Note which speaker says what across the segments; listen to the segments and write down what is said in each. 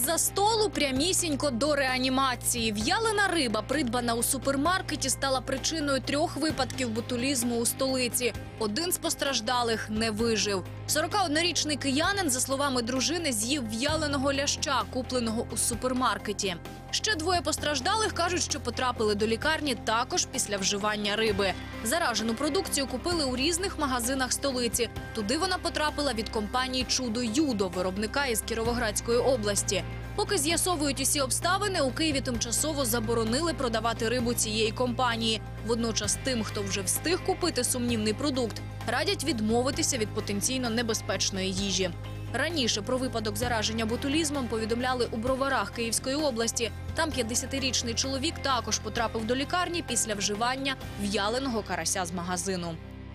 Speaker 1: Із-за столу прямісінько до реанімації. В'ялена риба, придбана у супермаркеті, стала причиною 3 випадків ботулізму у столиці. Один з постраждалих не вижив. 41-річний киянин, за словами дружини, з'їв в'яленого ляща, купленого у супермаркеті. Ще 2 постраждалих кажуть, що потрапили до лікарні також після вживання риби. Заражену продукцію купили у різних магазинах столиці. Туди вона потрапила від компанії «Чудо-Юдо», виробника із Кіровоградської області. Поки з'ясовують усі обставини, у Києві тимчасово заборонили продавати рибу цієї компанії. Водночас тим, хто вже встиг купити сумнівний продукт, радять відмовитися від потенційно небезпечної їжі. Раніше про випадок зараження ботулізмом повідомляли у Броварах Київської області. Там 50-річний чоловік також потрапив до лікарні після вживання в'яленого карася з магазину.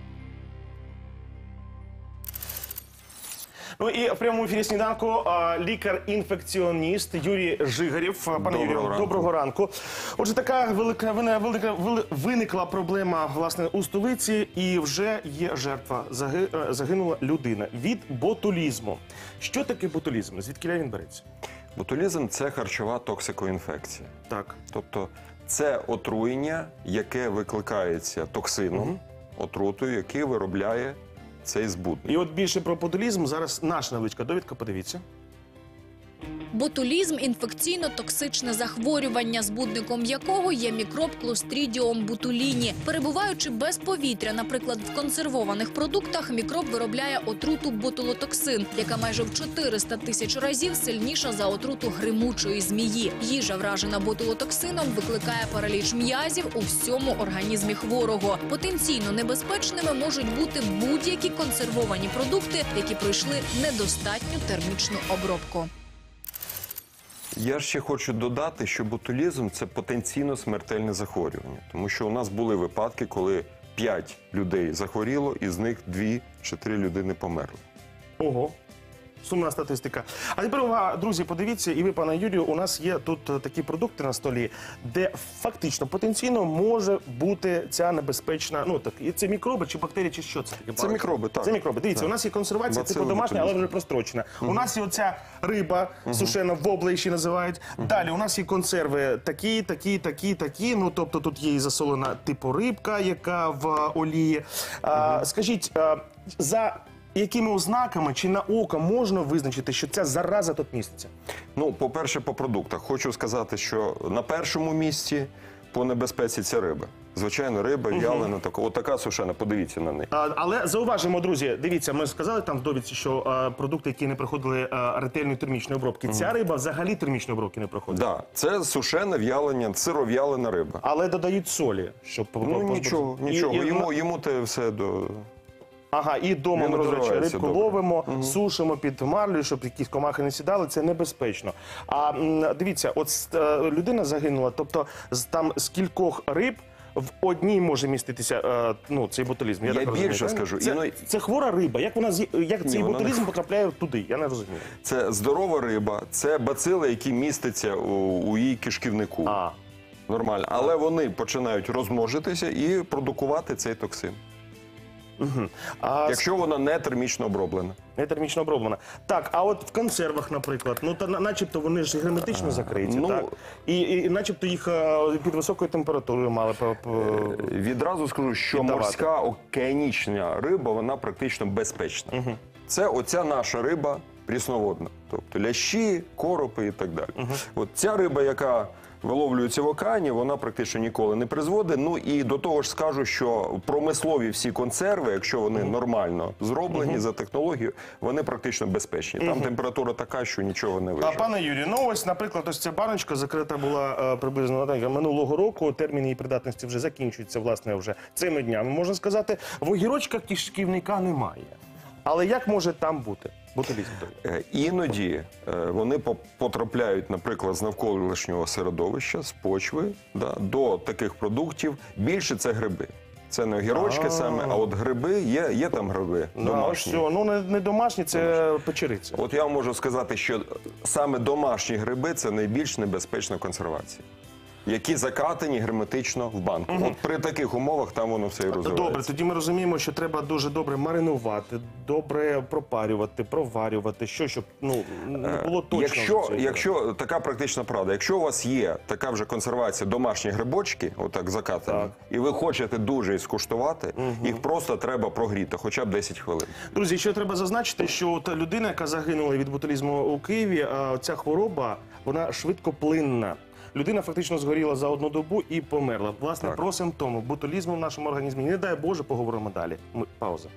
Speaker 2: Ну і в прямому ефірі «Сніданку» лікар-інфекціоніст Юрій Жигарєв. Пане Юрію, доброго ранку. Отже, така виникла проблема, власне, у столиці, і вже є жертва. Загинула людина від ботулізму. Що таке ботулізм? Звідки він береться?
Speaker 3: Ботулізм – це харчова токсикоінфекція.
Speaker 2: Так.
Speaker 3: Тобто це отруєння, яке викликається токсином, отрутою, який виробляє цей збудник.
Speaker 2: І от більше про ботулізм зараз наша невеличка довідка, подивіться.
Speaker 1: Ботулізм – інфекційно-токсичне захворювання, збудником якого є мікроб Clostridium botulinii. Перебуваючи без повітря, наприклад, в консервованих продуктах, мікроб виробляє отруту ботулотоксин, яка майже в 400 тисяч разів сильніша за отруту гримучої змії. Їжа, вражена ботулотоксином, викликає параліч м'язів у всьому організмі хворого. Потенційно небезпечними можуть бути будь-які консервовані продукти, які пройшли недостатню термічну обробку.
Speaker 3: Я ще хочу додати, що ботулізм – це потенційно смертельне захворювання. Тому що у нас були випадки, коли 5 людей захворіло, і з них 2 чи 3 людини померли.
Speaker 2: Ого. Сумна статистика. А тепер, увага, друзі, подивіться, і ви, пане Юрію, у нас є тут такі продукти на столі, де фактично, потенційно може бути ця небезпечна, ну, так, і це мікроби чи бактерії, чи що це таке?
Speaker 3: Це мікроби, так.
Speaker 2: Це мікроби. Дивіться, у нас є консервація, типу домашня, але вже прострочена. У нас є оця риба, сушена, вобла її ще називають. Далі, у нас є консерви такі, ну, тобто тут є і засолена типу рибка, яка в олії. Скажіть, за якими ознаками чи на око можна визначити, що ця зараза тут міститься?
Speaker 3: Ну, по-перше, по продуктах. Хочу сказати, що на першому місці по небезпеці це риба. Звичайно, риба, в'ялена, отака сушена, подивіться на неї.
Speaker 2: Але зауважимо, друзі, дивіться, ми сказали там в довідці, що продукти, які не проходили ретельної термічної обробки, ця риба взагалі термічної обробки не проходить?
Speaker 3: Так, це сушена, в'ялення, сиров'ялена риба.
Speaker 2: Але додають солі, щоб...
Speaker 3: Ну, нічого, йому те все до...
Speaker 2: Ага, і вдома ми, до речі, рибку ловимо, сушимо під марлею, щоб якісь комахи не сідали, це небезпечно. А дивіться, от людина загинула, тобто там з кількох риб в одній може міститися цей ботулізм.
Speaker 3: Я більше скажу.
Speaker 2: Це хвора риба. Як цей ботулізм потрапляє туди? Я не розумію.
Speaker 3: Це здорова риба, це бацили, які містяться у її кишківнику. Нормально. Але вони починають розмножитися і продукувати цей токсин. Якщо вона не термічно оброблена.
Speaker 2: Не термічно оброблена. Так, а от в консервах, наприклад, ну, начебто вони ж герметично закриті, так? І начебто їх під високою температурою мали
Speaker 3: відразу скажу, що морська океанічна риба, вона практично безпечна. Це оця наша риба прісноводна. Тобто лящі, коропи і так далі. От ця риба, яка виловлюється в океані, вона практично ніколи не призводить. Ну і до того ж скажу, що промислові всі консерви, якщо вони нормально зроблені за технологією, вони практично безпечні. Там температура така, що нічого не виживе.
Speaker 2: А пане Юрію, ну ось, наприклад, ось ця баночка закрита була приблизно минулого року, термін її придатності вже закінчується, власне, вже цими днями. Можна сказати, в огірочках кишківника немає. Але як може там бути ботулізм?
Speaker 3: Іноді вони потрапляють, наприклад, з навколишнього середовища, з почви, до таких продуктів. Більше це гриби. Це не огірочки саме, а от гриби, є там гриби домашні.
Speaker 2: Ну, не домашні, це печериця.
Speaker 3: От я вам можу сказати, що саме домашні гриби – це найбільш небезпечна консервація. які закатані герметично в банку. От при таких умовах там воно все і розвивається.
Speaker 2: Добре, тоді ми розуміємо, що треба дуже добре маринувати, добре пропарювати, проварювати, щоб не було точно.
Speaker 3: Якщо така практична правда, якщо у вас є така вже консервація домашні грибочки, отак закатані, і ви хочете дуже їх скуштувати, їх просто треба прогріти, хоча б 10 хвилин.
Speaker 2: Друзі, ще треба зазначити, що та людина, яка загинула від ботулізму у Києві, ця хвороба, вона швидкоплинна. Людина фактично згоріла за одну добу і померла. Власне, про симптоми ботулізму в нашому організмі. Не дай Боже, поговоримо далі. Пауза.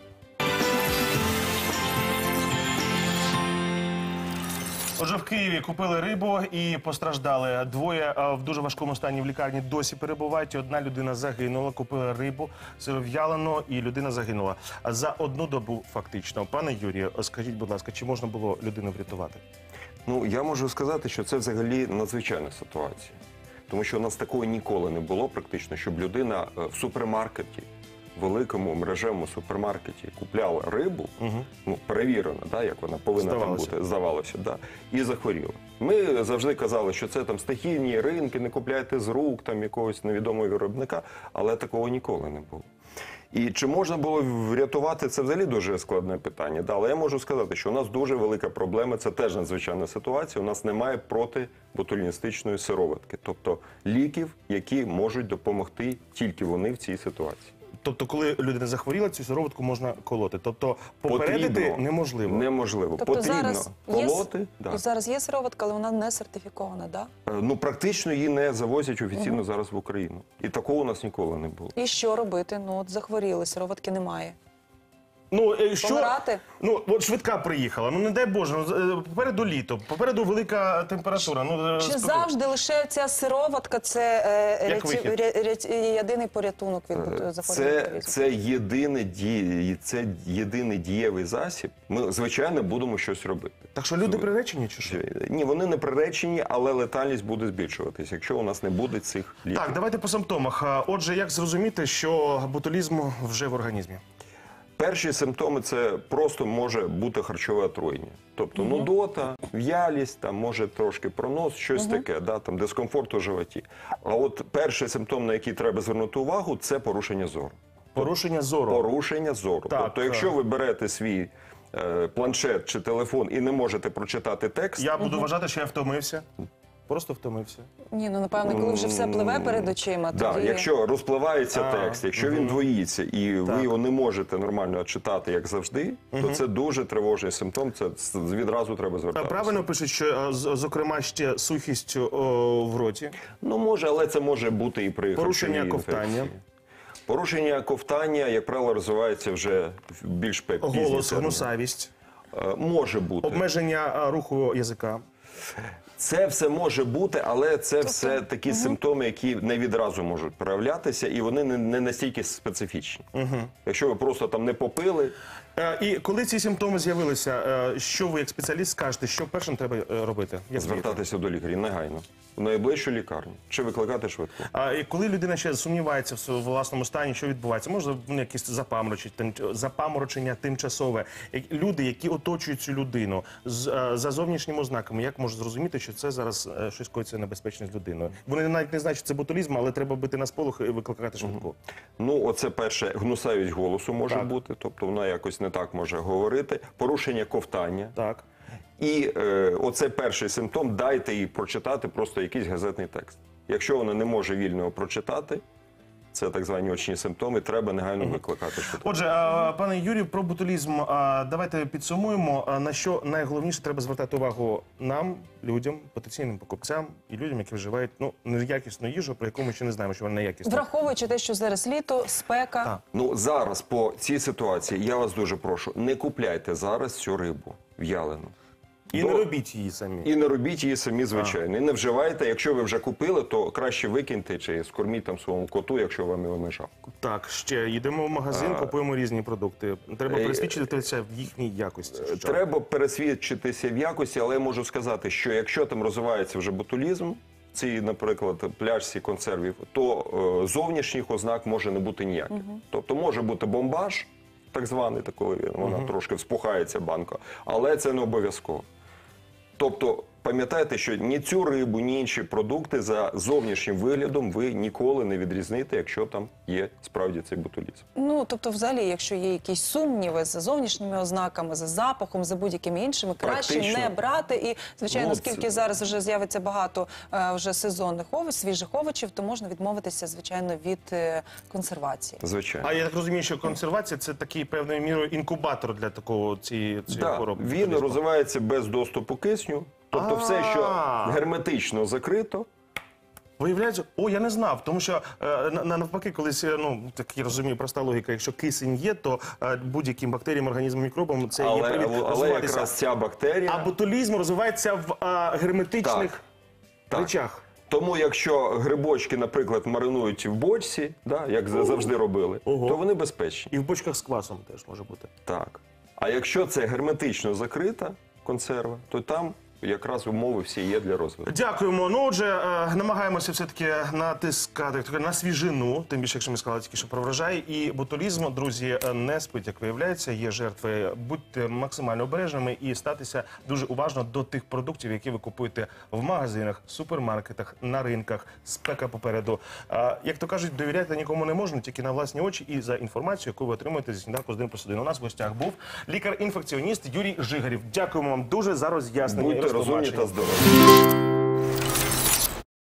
Speaker 2: Отже, в Києві купили рибу і постраждали. Двоє в дуже важкому стані в лікарні досі перебувають. Одна людина загинула, купила рибу, сиров'ялену, і людина загинула. За одну добу фактично. Пане Юрію, скажіть, будь ласка, чи можна було людину врятувати?
Speaker 3: Ну, я можу сказати, що це взагалі надзвичайна ситуація. Тому що у нас такого ніколи не було практично, щоб людина в супермаркеті, великому мережевому супермаркеті купляла рибу, перевірена, як вона повинна там бути, здавалося, і захворіла. Ми завжди казали, що це там стихійні ринки, не купляйте з рук там якогось невідомого виробника, але такого ніколи не було. І чи можна було врятувати, це взагалі дуже складне питання. Але я можу сказати, що у нас дуже велика проблема, це теж надзвичайна ситуація, у нас немає протиботуліністичної сироватки, тобто ліків, які можуть допомогти тільки вони в цій ситуації.
Speaker 2: Тобто, коли людина захворіла, цю сироватку можна колоти. Тобто, попередити неможливо.
Speaker 3: Неможливо.
Speaker 4: Тобто,
Speaker 3: потрібно колоти.
Speaker 4: Зараз є сироватка, але вона не сертифікована, так?
Speaker 3: Ну, практично її не завозять офіційно зараз в Україну. І такого у нас ніколи не було.
Speaker 4: І що робити? Ну, от захворіли, сироватки немає.
Speaker 2: Помирати? От швидка приїхала, не дай Боже, попереду літо, попереду велика температура.
Speaker 4: Чи завжди лише ця сироватка – це єдиний порятунок від захворювання ботулізму?
Speaker 3: Це єдиний дієвий засіб. Ми, звичайно, будемо щось робити.
Speaker 2: Так що люди приречені чи що?
Speaker 3: Ні, вони не приречені, але летальність буде збільшуватися, якщо у нас не буде цих ліків.
Speaker 2: Так, давайте по симптомах. Отже, як зрозуміти, що ботулізм вже в організмі?
Speaker 3: Перші симптоми – це просто може бути харчове отруєння. Тобто нудота, в'ялість, там може трошки пронос, щось таке, там дискомфорт у животі. А от перший симптом, на який треба звернути увагу – це порушення зору.
Speaker 2: Порушення зору?
Speaker 3: Порушення зору.
Speaker 2: Так,
Speaker 3: тобто, якщо ви берете свій планшет чи телефон і не можете прочитати текст…
Speaker 2: Я буду вважати, що я втомився. Просто втомився.
Speaker 4: Ні, напевно, коли вже все пливе перед очима, тоді…
Speaker 3: Так, якщо розпливається текст, якщо він двоїться, і ви його не можете нормально читати, як завжди, то це дуже тривожний симптом, це відразу треба звертатися.
Speaker 2: Правильно пишуть, що, зокрема, ще сухість в роті?
Speaker 3: Ну, може, але це може бути і при
Speaker 2: порушення ковтання.
Speaker 3: Порушення ковтання, як правило, розвивається вже більш пізніше.
Speaker 2: Голос, гнусавість.
Speaker 3: Може бути.
Speaker 2: Обмеження руху язика.
Speaker 3: Це все може бути, але це все такі симптоми, які не відразу можуть проявлятися, і вони не настільки специфічні. Якщо ви просто там не попили…
Speaker 2: І коли ці симптоми з'явилися, що ви як спеціаліст скажете, що першим треба робити?
Speaker 3: Звертатися до лікаря негайно, в найближчу лікарню, чи викликати швидку.
Speaker 2: І коли людина ще сумнівається в власному стані, що відбувається? Може, якісь запаморочення тимчасове. Люди, які оточують цю людину, за зовнішніми ознаками, як можуть зрозуміти, що це зараз щось коїться небезпечне з людиною? Вони навіть не знають, що це ботулізм, але треба бити на сполох і викликати швидку.
Speaker 3: Ну, оце перше, гнусавість голосу може бути, тобто вона якось не так може говорити. Порушення ковтання.
Speaker 2: Так.
Speaker 3: І оце перший симптом, дайте їй прочитати просто якийсь газетний текст. Якщо вона не може вільно його прочитати, це так звані очні симптоми, треба негайно викликати швидку.
Speaker 2: Отже, пане Юрію, про ботулізм давайте підсумуємо, на що найголовніше треба звертати увагу нам, людям, потенційним покупцям і людям, які вживають неякісну їжу, про яку ми ще не знаємо, що вона неякісна.
Speaker 4: Враховуючи те, що зараз літо, спека.
Speaker 2: Так.
Speaker 3: Ну, зараз по цій ситуації я вас дуже прошу, не купляйте зараз цю рибу в'ялену.
Speaker 2: І не робіть її самі.
Speaker 3: І не робіть її самі, звичайно. І не вживайте. Якщо ви вже купили, то краще викиньте чи скорміть там своєму коту, якщо вам його не жалко.
Speaker 2: Так, ще йдемо в магазин, купуємо різні продукти. Треба пересвідчитися в їхній якості.
Speaker 3: Треба пересвідчитися в якості, але я можу сказати, що якщо там розвивається вже ботулізм, цій, наприклад, пляшці консервів, то зовнішніх ознак може не бути ніяких. Тобто може бути бомбаж, так званий, коли вона трошки вспухається банка, але це не обов'язково. Тобто пам'ятайте, що ні цю рибу, ні інші продукти за зовнішнім виглядом ви ніколи не відрізните, якщо там є справді цей ботулізм.
Speaker 4: Ну, тобто, взагалі, якщо є якісь сумніви за зовнішніми ознаками, за запахом, за будь-якими іншими, краще
Speaker 3: Практично.
Speaker 4: не брати. І, звичайно,
Speaker 3: Ну,
Speaker 4: оскільки
Speaker 3: це-
Speaker 4: зараз вже з'явиться багато вже сезонних свіжих овочів, то можна відмовитися, звичайно, від консервації.
Speaker 3: Звичайно.
Speaker 2: А я так розумію, що консервація – це такий певною мірою інкубатор для такого цієї
Speaker 3: Да,
Speaker 2: хвороби.
Speaker 3: він розвивається без доступу кисню, тобто все, що герметично закрито,
Speaker 2: Виявляється, я не знав, тому що навпаки, колись, так я розумію, проста логіка, якщо кисень є, то будь-яким бактеріям, організмам, мікробам це є привід
Speaker 3: але
Speaker 2: розвиватися.
Speaker 3: якраз ця бактерія...
Speaker 2: А ботулізм розвивається в герметичних
Speaker 3: Так.
Speaker 2: речах.
Speaker 3: Тому якщо грибочки, наприклад, маринують в бочці, да, як завжди робили,
Speaker 2: Ого.
Speaker 3: то вони безпечні.
Speaker 2: І в бочках з квасом теж може бути.
Speaker 3: Так. А якщо це герметично закрита консерва, то там якраз умови всі є для розвитку.
Speaker 2: Дякуємо. Ну, отже, намагаємося все-таки натискати як то кажуть, на свіжину, тим більше, якщо ми сказали тільки, що про врожай. І ботулізм, друзі, не спить, як виявляється, є жертви. Будьте максимально обережними і статися дуже уважно до тих продуктів, які ви купуєте в магазинах, супермаркетах, на ринках. Спека попереду. Як то кажуть, довіряти нікому не можна, тільки на власні очі і за інформацію, яку ви отримуєте зі сніданку з 1+1. У нас в гостях був лікар-інфекціоніст Юрій Жигарів. Дякуємо вам дуже за роз'яснення.
Speaker 3: Будьте
Speaker 2: і
Speaker 3: розумні
Speaker 2: розтлумачення.
Speaker 3: та здорові.